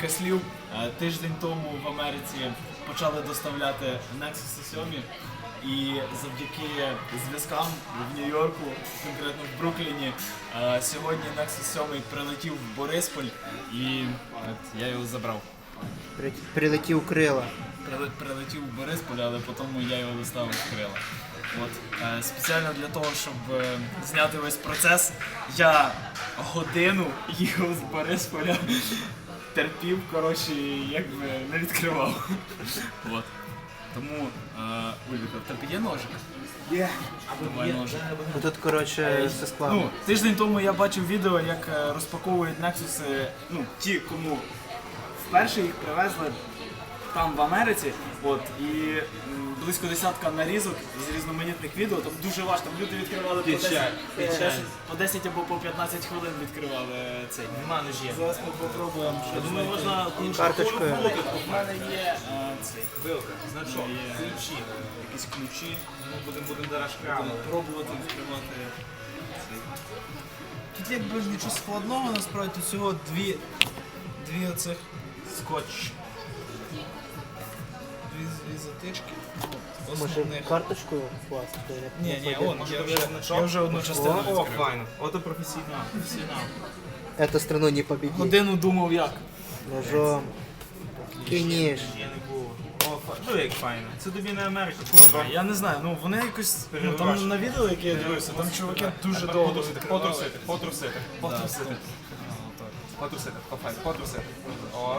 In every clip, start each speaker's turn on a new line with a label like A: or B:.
A: декілька слів. Тиждень тому в Америці почали доставляти Nexus 7 і завдяки зв'язкам в Нью-Йорку, конкретно в Брукліні, сьогодні Nexus 7 прилетів в Борисполь і я його забрав.
B: Прилетів крила.
A: Прилетів в Бориспіль, але потім я його доставив в крила. От. Спеціально для того, щоб зняти весь процес, я годину їхав з Борисполя, терпів, коротше, якби не відкривав. От. Тому, Ульвіка, в тебе є ножик?
C: Є.
A: Давай ножик.
B: Тут, коротше, все складно.
A: Ну, тиждень тому я бачив відео, як розпаковують Nexus, ну, ті, кому вперше їх привезли там в Америці, от, і близько десятка нарізок з різноманітних відео, там дуже важко, там люди відкривали по 10 або по 15 хвилин відкривали цей.
C: Нема ножі.
A: Зараз ми попробуємо щось.
C: Думаю, можна
B: Карточкою.
A: У мене є цей.
C: Вилка, значок,
A: Є.
C: ключі.
A: Якісь ключі.
C: Ми будемо зараз
A: Будемо пробувати відкривати цей. Тут якби нічого складного, насправді, тут всього дві оцих
C: скотч.
A: дві затички.
B: Може
A: Основних.
B: карточкою класти?
A: Ні, я вже одну частину
C: О,
A: відкрив.
C: файно. Ото професійно.
B: Эту страну не победить.
A: Годину думав як.
B: Ножом. Фініш.
C: Я не було. О, ну як файно. Це тобі не Америка, курва.
A: Я не знаю, ну вони якось, ну
C: Перебиваєш.
A: там на відео, яке я дивився, там чуваки дуже довго
C: Потрусити. Потрусити. О.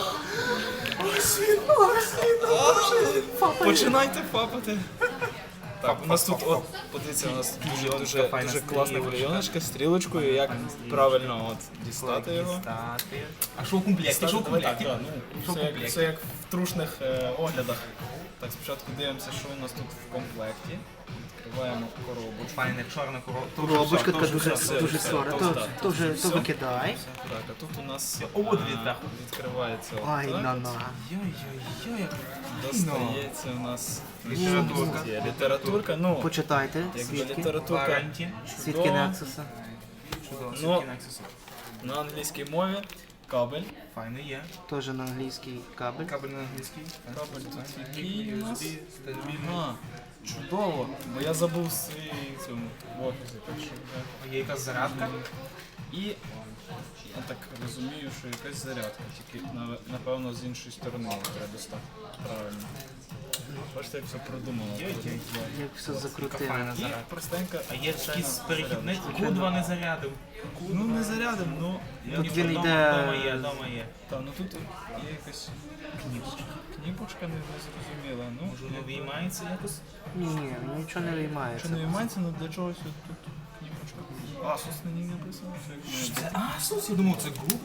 A: Починайте фапати. Так, у нас тут,
C: фап.
A: от, подивіться, у нас дуже
C: файна
A: класна
C: стрілочка.
A: клейоночка з стрілочкою, як правильно от дістати його.
C: А що в комплекті? Що в комплекті?
A: Так, ну, все як в трушних оглядах. Так, спочатку дивимося, що у нас тут в комплекті. Відкриваємо коробочку.
C: Файна чорна
B: Коробочка така дуже
A: все,
B: сора. То викидай.
A: Так, а тут у нас
C: О, от відверху.
A: відкривається
B: Ай,
A: отак.
B: на-на.
C: Йой-йой-йой, як
A: Достається у нас
C: літературка.
A: літературка, ну,
B: Почитайте
A: якби
B: свідки.
A: літературка
C: Варанті.
B: Свідки
A: чудова.
B: Нексуса.
C: Чудово,
A: Ну,
C: свідки Nexus.
A: на англійській мові, кабель.
C: Файно є.
B: Теж на англійський кабель.
C: Кабель на англійський.
A: Кабель тут який у нас?
C: стабільний.
A: Ага, чудово, бо я забув свій цьому в офісі, так що я...
C: Є якась зарядка.
A: І я так розумію, що якась зарядка, тільки напевно з іншої сторони її треба достати. Правильно. Бачите, як все продумано.
B: Як все
C: Яка
B: закрутило.
C: файна
A: І
C: зарядка.
A: простенька.
C: А є
A: звичайна
C: якийсь перехідник,
A: зарядка.
C: кудва не зарядив.
A: Ну не зарядом, ну
B: Тут він
C: Дома
B: йде.
C: є.
A: та, ну тут є якась кніпочка не зрозуміла. Ну,
C: Може воно виймається якось?
B: Ні, нічого не
A: що
B: виймається.
A: не виймається, ну для чогось тут кніпочка. Асус на ній написано. Що як має бути.
C: Asus, я думав, це Google.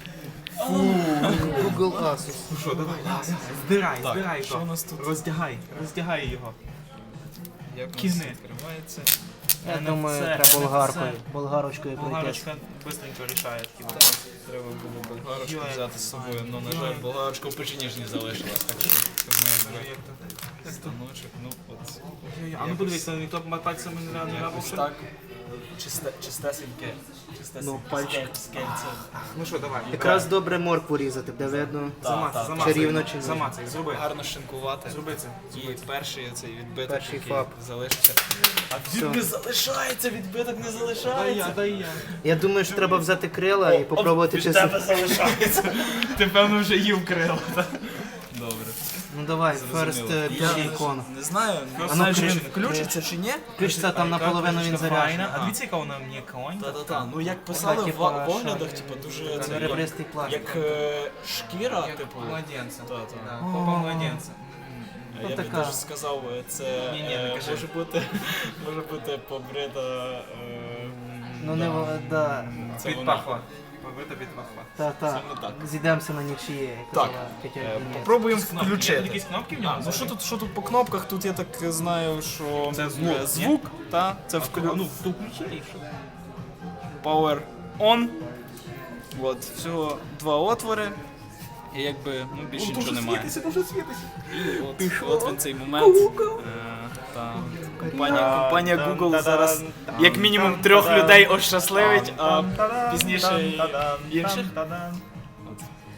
B: Google Asus.
C: Ну що, давай, збирай
A: Так, що у
C: його.
A: нас тут?
C: Роздягай його.
A: Як у нас
C: Кігни.
A: відкривається?
B: Я думаю,
C: це,
B: треба болгаркою.
C: це.
B: Болгарочкою пройти.
C: Болгарочка швидко рішає такі вопроси.
A: Треба було болгарочку
C: Йой,
A: взяти з собою, але, на жаль, болгарочка в печеніжні залишилась, так що це моє станочок, ну от.
C: А ну подивися, ніхто пальцями не
A: Якось
C: рабився.
A: так, чистесеньке,
B: Ну, пальчик.
A: скельце.
C: Ну що, давай.
B: Якраз добре моркву різати, де видно.
C: Замацай,
B: Чи рівно, чи ні.
C: замацай, зроби.
A: Гарно шинкувати.
C: Зроби це.
A: І перший цей відбиток,
B: Перший
A: який
B: фап.
A: залишиться. А
B: Все.
A: він не залишається, відбиток не залишається.
C: Дай я.
B: Я думаю, що треба взяти крила і попробувати
A: Від
B: чи...
A: тебе залишається. Ти певно вже їв крила. Добре.
B: Ну давай,
A: Зрозуміло.
B: first
A: Я
B: ікон.
A: не знаю,
B: А
A: не
B: ну,
A: знаю, чи
B: ключ-
A: він включиться чи ні.
B: Включиться там наполовину він заряджений.
C: А дивіться, яка вона мені конь.
A: Та-та-та, ну як писали
B: типа,
A: в оглядах,
B: що,
A: типу, дуже це,
B: Ребристий пластик.
A: як шкіра, типу.
C: Младенця.
A: Та-та.
C: Попа младенця.
A: Я би
B: така.
A: навіть сказав, це
C: Ні, не кажи.
A: може бути побрита.
B: Ну не да.
A: Це вона.
C: Підпахла. Побита підпахла.
B: Та.
A: Саме так.
B: Зійдемося на нічиє. як
A: Так,
B: казала Тетя Євгенія.
A: Попробуємо
C: Є
A: включити.
C: якісь кнопки в ньому?
A: Ну що тут по кнопках? Тут я так знаю, що
C: Це звук, ні?
A: звук, та це
C: Ну, то включи.
A: Power on. От, всього два отвори. І якби ну, більше нічого немає.
C: дуже світиться.
A: І от він цей момент. Та, компанія Google зараз як мінімум 3 людей ощасливить, а пізніше і інших. От.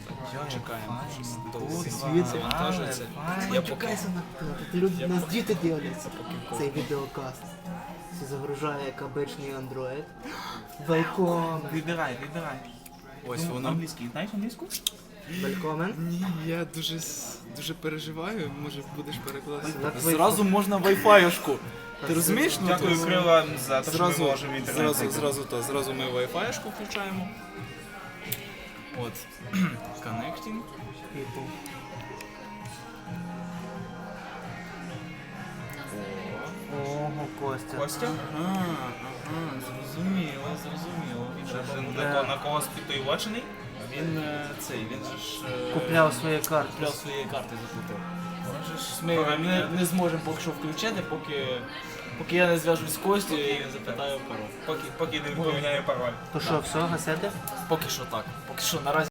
C: Чекаємо.
A: Завантажується. Я поки
B: Тут люди, нас діти дивляться цей відеокаст. Це загружає як обичний Android. Welcome.
C: Вибирай.
A: ось воно.
C: Англійський. Знаєш англійську?
B: Welcome.
D: Ні, я дуже переживаю, може будеш перекладати.
A: Зразу можна Wi-Fi-шку. Ти розумієш? Ну,
C: Дякую
A: то-
C: крила за те, що ми
A: Зразу,
C: можемо інтернет.
A: зразу ми Wi-Fi-шку включаємо. От. Connecting.
B: People. Ого, Костя.
C: Костя?
A: Ага, зрозуміло. Він же
C: На когось підтоювачений?
A: він він же ж
B: Купляв свої карти.
A: купляв свої карти заплатив. Ми не зможемо поки що включити, поки я не зв'яжусь з Костю і не запитаю пароль.
C: Поки не поміняє пароль.
B: То що, все, гасете?
A: Поки що так. Поки що наразі.